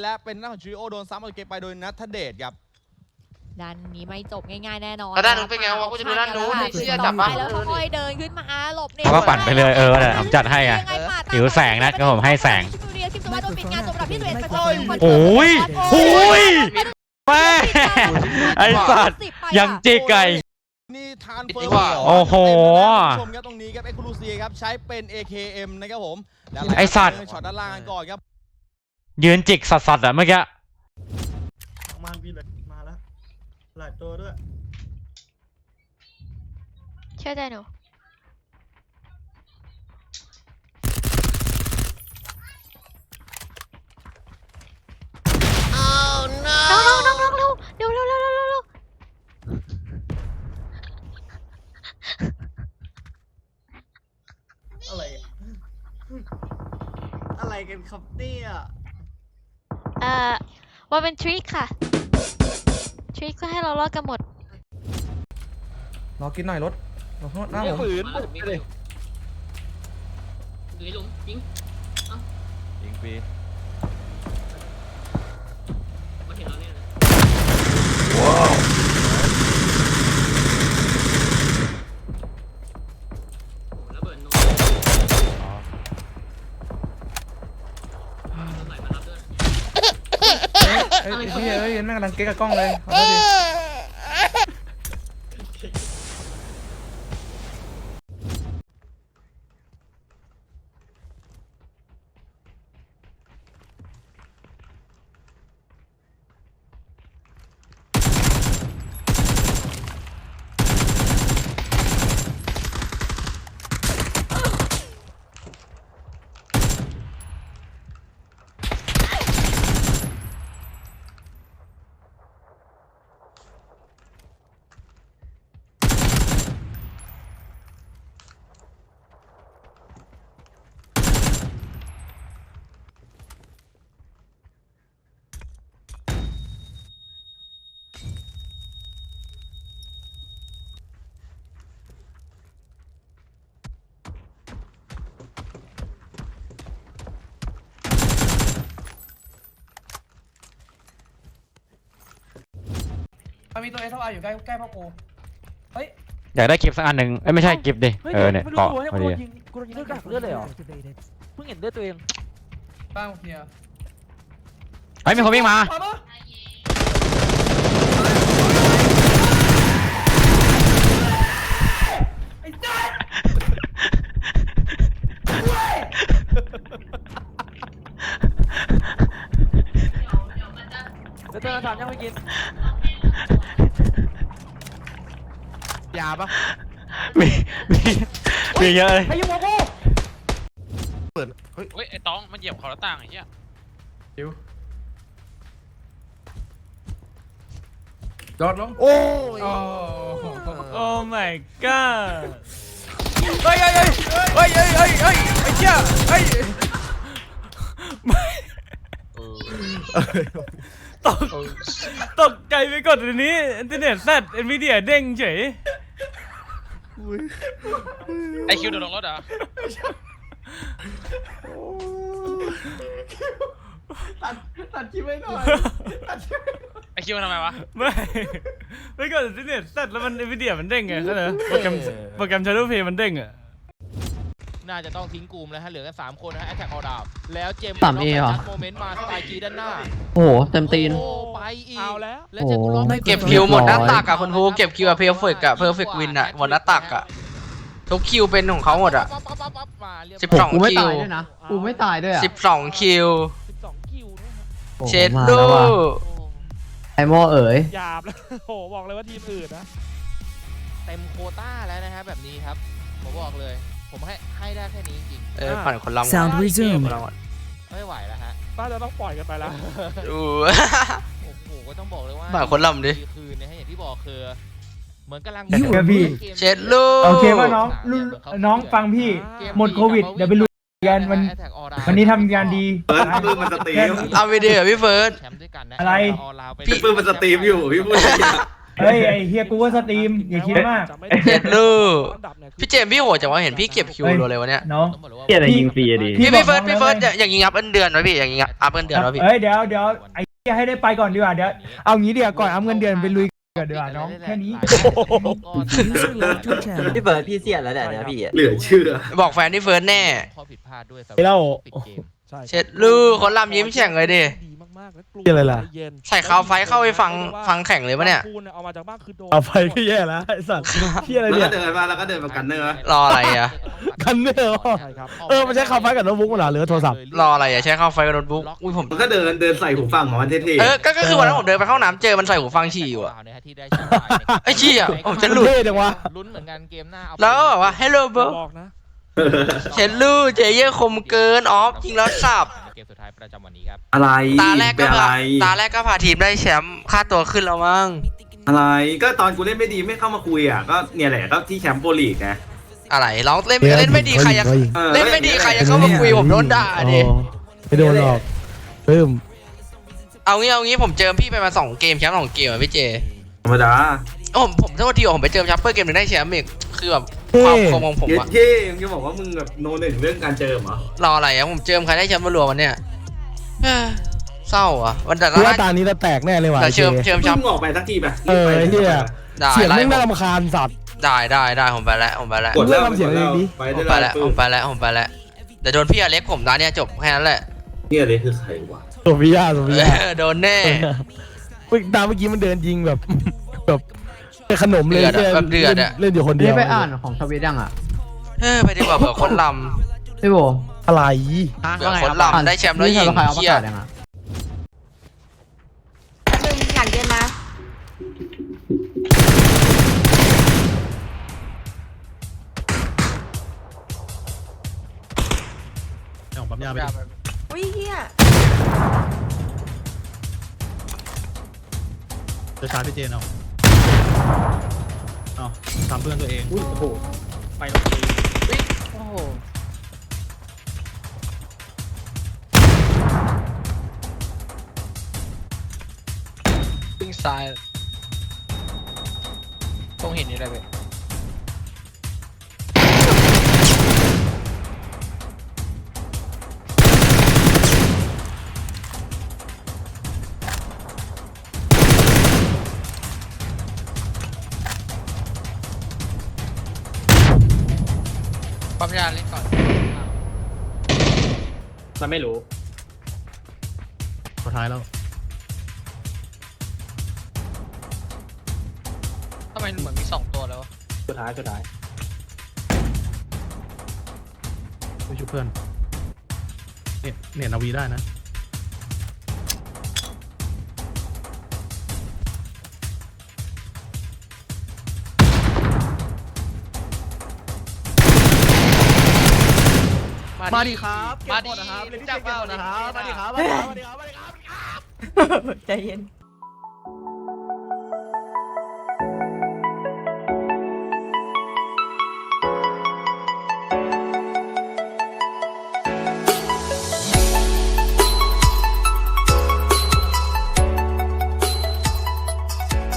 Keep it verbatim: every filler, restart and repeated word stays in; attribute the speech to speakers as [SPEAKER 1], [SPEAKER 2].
[SPEAKER 1] และเป็นหน้าของจูริโอโดนซ้ำเอาเกมไปโดยนัทเดชครับ
[SPEAKER 2] ด้านนี้ไม่จบง่ายๆแน่นอน
[SPEAKER 3] แล้วด้านนู้นเป็นไงวะกูจะดูด้านนู้นเชี่ยจับปะ
[SPEAKER 2] แล้วค่อยเดินขึ้นมาหลบเนี่ย
[SPEAKER 4] เขาก็ปั่นไปเลยเออแหละผมจัดให้ไงหิวแสงนะก็ผมให้แสงโอ้ยโอ้ยแม่ไอสัตว์ยังจิกไก่
[SPEAKER 1] นี่ทานเฟิร์ม
[SPEAKER 4] โอ้โห
[SPEAKER 1] ชมครับตรงนี้ครับเอ็กซ์คลูซีครับใช้เป็น เอ เค เอ็ม นะครับผม
[SPEAKER 4] ไอสัตว์
[SPEAKER 1] ช็อตด้านล่างก่อนครับ
[SPEAKER 4] ยืนจิกสัตว์ๆอะเมื่อกี้
[SPEAKER 5] มาพี่เลยมาแล้วหลายตัวด้วย
[SPEAKER 2] เชื่อใจหนูน้องน้องน้องน้องเร็วเร็วเร็วเร็วเร็วเร็ว
[SPEAKER 5] อะไรอะไรกันครับเนี่ย
[SPEAKER 2] เอ่อว่าเป็นทริคค่ะทริคก็ให้เรารอดกันหมด
[SPEAKER 6] รอกินหน่อยรถรอข้างหน้าผม
[SPEAKER 7] ฝืนเลย
[SPEAKER 8] อยู่ในหลุมยิง
[SPEAKER 7] ยิงปี
[SPEAKER 8] มาเห็นเราเนี่ยนะระเบิดโน้ตไหลมารับด้วย
[SPEAKER 6] เฮ้ยพี่เอ้ยแม่งกำลังเก๊กกับกล้องเลยขอโทษทีมันมีตัวเอสไออยู่ใกล้ใกล้พ่อกูเฮ้ย
[SPEAKER 4] อยากได้กิฟต์สักอันหนึ่งเอ้ยไม่ใช่กิฟต์ดิเออเนี่ยเกาะพอดี
[SPEAKER 7] กูโดนยิงเลือดกระเลือดเลยเหรอเพิ่งเห็นเลือดตัวเอง
[SPEAKER 5] บ้างเพีย
[SPEAKER 4] เฮ้ยมีคนวิ่งมา
[SPEAKER 5] ไอ้จ้า
[SPEAKER 7] แล้วเจอถามยังไม่กินยาปะ
[SPEAKER 4] มีมีมีเยอะเลย
[SPEAKER 7] ใครยุ่งกับกู
[SPEAKER 3] เปิดเฮ้ยไอ้ต้องมันเหยียบขอหน้าต่างไอ้เหี้ย
[SPEAKER 6] ดิวจอดลงโอ้ยโอ้
[SPEAKER 7] my god เฮ้ยเฮ้ยเฮ้ยเฮ้ยเฮ้ยเฮ้ยเฮ้ยไอ้เจ้าเฮ้ยตกตกใจไปก่อนทีนี้อินเทอร์เน็ตแซดเอ็นวีเดียเด้งเฉย
[SPEAKER 3] ไอคิวโดนลงรถเหรอ
[SPEAKER 5] ตัดตัดคิวไว้หน่อย
[SPEAKER 3] ไอคิวทำไมวะ
[SPEAKER 7] ไม่ไม่ก่อนอินเทอร์เน็ตแซดแล้วมันเอ็นวีเดียมันเด้งไงก็เลยโปรแกรมโปรแกรม Shadow Play มันเด้งอ่ะ
[SPEAKER 1] น่าจะต้องทิ้งกลุ่มแล้วฮะเหลือแค่สามคนนะฮะแอทแทกออดาบแล้วเจมส์
[SPEAKER 9] ต่ำเอเหรอ
[SPEAKER 1] โมเมนต์มาสไตล์จีด้านหน้า
[SPEAKER 9] โอ้โหเต็มตีน
[SPEAKER 1] โอ้ไปอีก
[SPEAKER 7] เอาแล้ว
[SPEAKER 1] แล้วเจมส์ล็อก
[SPEAKER 3] เก็บคิวหมดหน้าตักอะคุณครูเก็บคิวอะเพอร์เฟกต์อะเพอร์เฟกต์วินอะหมดหน้าตักอะทุกคิวเป็นของเขาหมดอะสิบสอง
[SPEAKER 9] กูไม่
[SPEAKER 3] คิ
[SPEAKER 9] ตายว ด้วยนะกูไม่ตายด้วยอ่ะ
[SPEAKER 3] สิบสองคิว
[SPEAKER 1] สิบสองคิวนะฮะ
[SPEAKER 3] เช็ดดู
[SPEAKER 9] ไอโมเอ๋ย
[SPEAKER 7] หยาบแล้วโหบอกเลยว่าทีมอื่นนะ
[SPEAKER 1] เต็มโควต้าแล้วนะฮะแบบนี้ครับผมบอกเลยผมให้ให้ได้แค่นี้จริง
[SPEAKER 3] เออผ่านคนละ
[SPEAKER 1] Sound resumed ไม่ไหวแล้วฮะ
[SPEAKER 7] น่าจะต้องปล่อยกันไปแล้ว
[SPEAKER 3] ดู
[SPEAKER 1] โอ้โหก็ต้องบอกเลยว่า
[SPEAKER 3] ผ่านคนลำดิ
[SPEAKER 1] คืนนะฮะอย่างที่บอกคือเหมือนกำลัง
[SPEAKER 3] เช็ดลูก
[SPEAKER 5] โอเคว่าน้องน้องฟังพี่หมดโควิดเดี๋ยวไปลุยกันวันวันนี้ทำงานดี
[SPEAKER 6] เฟิร์สปื้มมันสตรีม
[SPEAKER 3] เอาวิดีโอพี่เฟิร์ส
[SPEAKER 1] แชมป์ด้วยกันนะ
[SPEAKER 5] อะไร
[SPEAKER 3] พี่
[SPEAKER 6] ปื้มมันสตรีมอยู่พี่พูด
[SPEAKER 5] เฮ้ยไอ้เฮียกูว่าสตรีมอย่าคิดมาก
[SPEAKER 3] เจ็ดลูกพี่เจมส์พี่โหดจังวะเห็นพี่เก็บคิวรัวเลยวะเนี่ย
[SPEAKER 5] น้อง
[SPEAKER 1] ต้องบอกเลยว่า
[SPEAKER 9] เกียอะไรยิงฟรีอะดิ
[SPEAKER 3] พี่พี่เฟิร์ส
[SPEAKER 5] บอกน้อง
[SPEAKER 3] พี่เฟิร์ส
[SPEAKER 5] แล้ว
[SPEAKER 3] อย่างยิงอัพเอินเดือนวะพี่อย่างยิงอัพเอินเดือนวะพี่
[SPEAKER 5] เอ้ยเดี๋ยวเดี๋ยวไอ้เฮียให้ได้ไปก่อนดีกว่าเดี๋ยวเอางี้เดี๋ยวก่อนเอาเงินเดือนไปลุยกันดีกว่าน้องแค่นี้
[SPEAKER 9] พี่เบิร์ดพี่เสียแล้วเนี่ยพี่
[SPEAKER 6] เหลือเชื่อ
[SPEAKER 3] บอกแฟนที่เฟิร์สแน่
[SPEAKER 1] ข้อผิดพลาดด้วยสำห
[SPEAKER 5] ไปเล่า
[SPEAKER 1] ปิดเกม
[SPEAKER 3] เช็ดลูกคนลำยิ้มแฉ่งเลยดิ
[SPEAKER 5] เหี้ยอะไรล่ะ
[SPEAKER 3] ใส่คาวไฟเข้าไปฟังฟังแข่งเลยปะเนี่ย
[SPEAKER 5] เอาไปก็แย่แล้วไอ้สัตว์เฮียอะไร
[SPEAKER 6] แล้ว
[SPEAKER 5] เนี่
[SPEAKER 6] ก็
[SPEAKER 5] ย
[SPEAKER 6] เดินมาแล้วก็เดินมากันเนอร์
[SPEAKER 3] รออะไรอ่ะ
[SPEAKER 5] กันเนอร์เออมันใช้คำไฟกับโน้ตบุ๊กเหรอหรือโทรศัพท์
[SPEAKER 3] รออะไรอ่ะใช้เข้าไฟกับโน้ตบุ๊กอุ้ยผม
[SPEAKER 6] มันก็เดินเดินใส่หูฟังของมันเท่
[SPEAKER 3] เออก็ก็คือวันนั้นผมเดินไปเข้าน้ำเจอมันใส่หูฟังฉี่อยู่อะ
[SPEAKER 1] ที่ได้แชมป์ไปนะครับ
[SPEAKER 3] ไอ้เหี้ยผมจะหลุด
[SPEAKER 5] เท่จังวะ
[SPEAKER 1] ลุ้นเหมือนกันเกมหน้าเอา
[SPEAKER 3] แล้วก็แบบว่า hello bro เช็ดลูกเจเย่คมเกินออฟยิงแล้วสับ
[SPEAKER 1] เกมสุดท้ายประจำวันนี้ครับ
[SPEAKER 6] ๆอะไร
[SPEAKER 3] ตาแรกก็
[SPEAKER 6] เป็นอะ
[SPEAKER 3] พา
[SPEAKER 6] ไร
[SPEAKER 3] ตาแรกก็พาทีมได้แชมป์ค่าตัวขึ้นแล้วมั้ง
[SPEAKER 6] อะไรก็ตอนกูเล่นไม่ดีไม่เข้ามาคุยอ่ะก็เนี่ยแหละก็ที่แชมป์โปรลีกไง
[SPEAKER 3] อะไรเราเล่นเล่นไม่ดีใครจะ
[SPEAKER 6] ออ
[SPEAKER 3] เล่นไม่ดีใครจะเข้ามาคุยผมโดนด่าดิ
[SPEAKER 5] ไม่โดนหรอกปึ้ม
[SPEAKER 3] เอางี้เอางี้ผมเจอพี่ไปมาสองเกมแชมป์สองเกมอ่ะพี่เจ
[SPEAKER 6] ธรรมดา
[SPEAKER 3] โอ้ผมผมโทษทีว่าผมไปเจอแชมป์เพื่อเกมหนึงได้แชมป์อีกคือแบบความคมของผม
[SPEAKER 6] เย็ด
[SPEAKER 3] อะ
[SPEAKER 6] เท่มึงจะบอกว่ามึงแบบโนหนึ่งเรื่องการเจอเหรอ
[SPEAKER 3] รออะไรอะผมเจอใครได้แชมป์มารวมวันเนี่ยเอ้อเศร้าอ่ะวันแต่ละ
[SPEAKER 5] กูว่าตานี้เราแตกแน่เลยว่ะ
[SPEAKER 3] แต่เชิมเชิมแชม
[SPEAKER 6] มึ
[SPEAKER 3] ป์
[SPEAKER 6] งออกไปสักทีไป
[SPEAKER 5] เออไอ้เฮีย
[SPEAKER 3] ได้
[SPEAKER 5] เสียง
[SPEAKER 3] ไล่
[SPEAKER 5] แม่ง
[SPEAKER 3] ผ
[SPEAKER 5] น่าม รำคาญสัตว์
[SPEAKER 3] ได้ได้ได้ผมไปแล้วผมไปแล้ว
[SPEAKER 6] กดแล้ว
[SPEAKER 5] ทำเสียงเองดิ
[SPEAKER 6] ไป
[SPEAKER 3] ผ
[SPEAKER 6] ได้
[SPEAKER 3] มไปแล้ว
[SPEAKER 6] ปึ๊
[SPEAKER 3] ผ
[SPEAKER 6] บ
[SPEAKER 3] มไปแล้วผมไปแล้วแต่โดนพี่อเล็กผมนะเนี่ยจบแค่นั้นแหละ
[SPEAKER 6] เนี่ยเลยคือใครวะ
[SPEAKER 5] โซฟิยาโซฟิยา
[SPEAKER 3] เออโดนแน่
[SPEAKER 5] เมื่อตามเมื่อกี้มันเดินยิงแบบแบบเป็นขนมเลย
[SPEAKER 3] เดือดอะแบบเดือดอะ
[SPEAKER 5] เล่นอยู่คนเดี
[SPEAKER 9] นี่
[SPEAKER 5] ยว
[SPEAKER 9] ไปอ่านของทวิตยังอ่ะ
[SPEAKER 3] เออไปดีกว่าเผื่อคนล
[SPEAKER 9] พี่โบ
[SPEAKER 5] อะไร
[SPEAKER 3] ำเผื่อคนลำได้แชมป์แล้วยิง
[SPEAKER 9] ใครเอาประ
[SPEAKER 3] เฮีย
[SPEAKER 9] กาศยังอ่ะ
[SPEAKER 2] หนึ่งหลังเดินมา
[SPEAKER 5] ของปั๊มยาไป
[SPEAKER 2] อุ้ยเฮีย
[SPEAKER 5] จะชาร์จพี่เจนเอาเอาทำเพื่อนตัวเองอุ้ยโอ้โหไปลงที
[SPEAKER 3] โอ้โห
[SPEAKER 1] ปิ้งซ้ายตรงเห็นนี่ได้ไหม
[SPEAKER 3] ปั๊มยาเล่นก่อน
[SPEAKER 8] มันไม่รู้
[SPEAKER 5] สุดท้ายแล้ว
[SPEAKER 3] ทำไมเหมือนมีสองตัวแล้ว
[SPEAKER 8] สุดท้ายสุดท้าย
[SPEAKER 5] ไปช่วยเพื่อนเนี่ยเนี่ยนาวีได้นะมาดีครับ
[SPEAKER 3] มาดี
[SPEAKER 5] เก็บหมดนะครับ
[SPEAKER 3] จับเป้านะครับ
[SPEAKER 5] มาดีครับมาดีครับมาดีครับมาดีครับ
[SPEAKER 2] ใจเย็น